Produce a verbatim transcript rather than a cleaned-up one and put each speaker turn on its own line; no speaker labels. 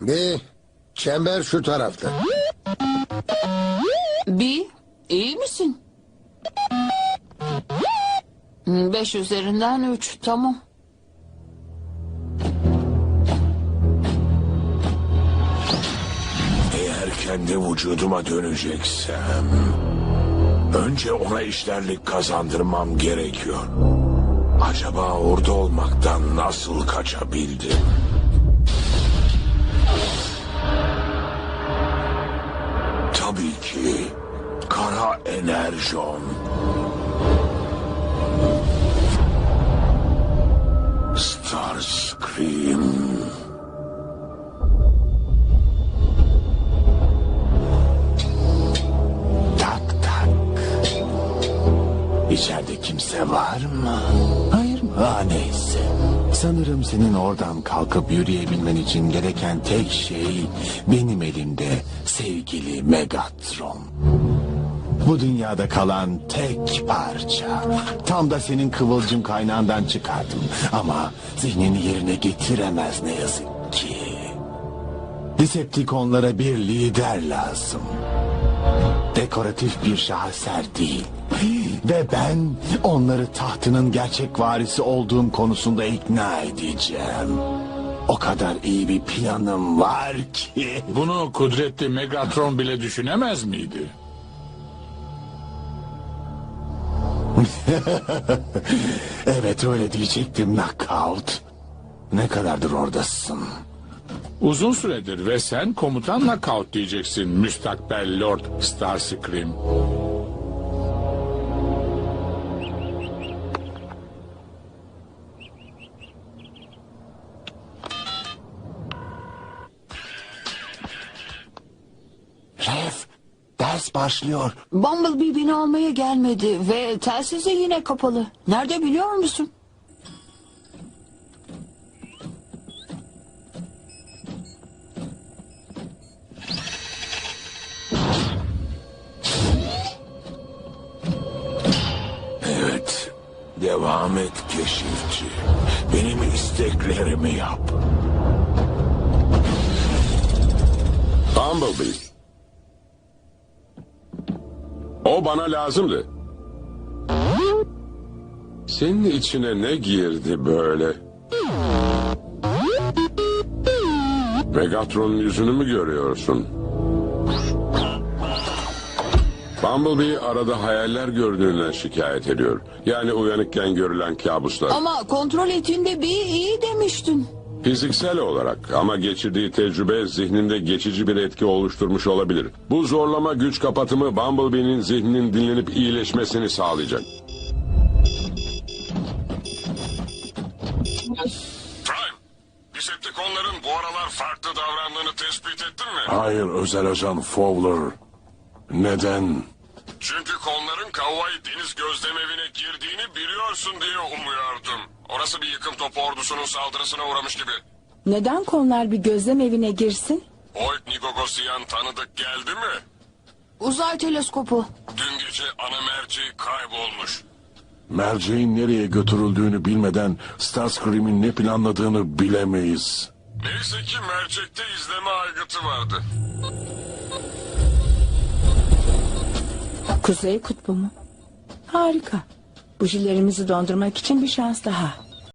Bir çember şu tarafta.
Bir, iyi misin? Beş üzerinden üç, tamam.
Eğer kendi vücuduma döneceksem... önce ona işlerlik kazandırmam gerekiyor. Acaba orada olmaktan nasıl kaçabildim? Tabii ki kara enerjon. Starscream. Tak tak. İçeride kimse var mı? Hayır mı? Ha, neyse. Sanırım senin oradan kalkıp yürüyebilmen için gereken tek şey benim elimde sevgili Megatron. Bu dünyada kalan tek parça. Tam da senin kıvılcım kaynağından çıkardım. Ama zihnini yerine getiremez ne yazık ki. Decepticonlara bir lider lazım. Dekoratif bir şaheser değil. Ve ben onları tahtının gerçek varisi olduğum konusunda ikna edeceğim. O kadar iyi bir planım var ki.
Bunu kudretli Megatron bile düşünemez miydi?
Evet, öyle diyecektim Knockout. Ne kadardır oradasın?
Uzun süredir ve sen komutan Knockout diyeceksin müstakbel Lord Starscream.
Ref, ders başlıyor.
Bumblebee beni almaya gelmedi ve telsiz de yine kapalı. Nerede biliyor musun?
Evet, devam et keşifçi. Benim isteklerimi yap.
Bumblebee. O bana lazımdı. Senin içine ne girdi böyle? Megatron'un yüzünü mü görüyorsun? Bumblebee arada hayaller gördüğünden şikayet ediyor. Yani uyanıkken görülen kabuslar.
Ama kontrol ettiğinde bir iyi demiştin.
Fiziksel olarak ama geçirdiği tecrübe zihninde geçici bir etki oluşturmuş olabilir. Bu zorlama güç kapatımı Bumblebee'nin zihninin dinlenip iyileşmesini sağlayacak. Prime, Decepticonların bu aralar farklı davrandığını tespit ettin mi?
Hayır, özel ajan Fowler. Neden?
Çünkü konların Kauai Deniz Gözlemevine girdiğini biliyorsun diye umuyordum. Orası bir yıkım topu ordusunun saldırısına uğramış gibi.
Neden konular bir gözlem evine girsin?
Oid Nigogosyan tanıdık geldi mi?
Uzay teleskopu.
Dün gece ana merceği kaybolmuş.
Merceğin nereye götürüldüğünü bilmeden Starscream'in ne planladığını bilemeyiz.
Neyse ki mercekte izleme aygıtı vardı.
Kuzey kutbu mu? Harika. Bujilerimizi dondurmak için bir şans daha.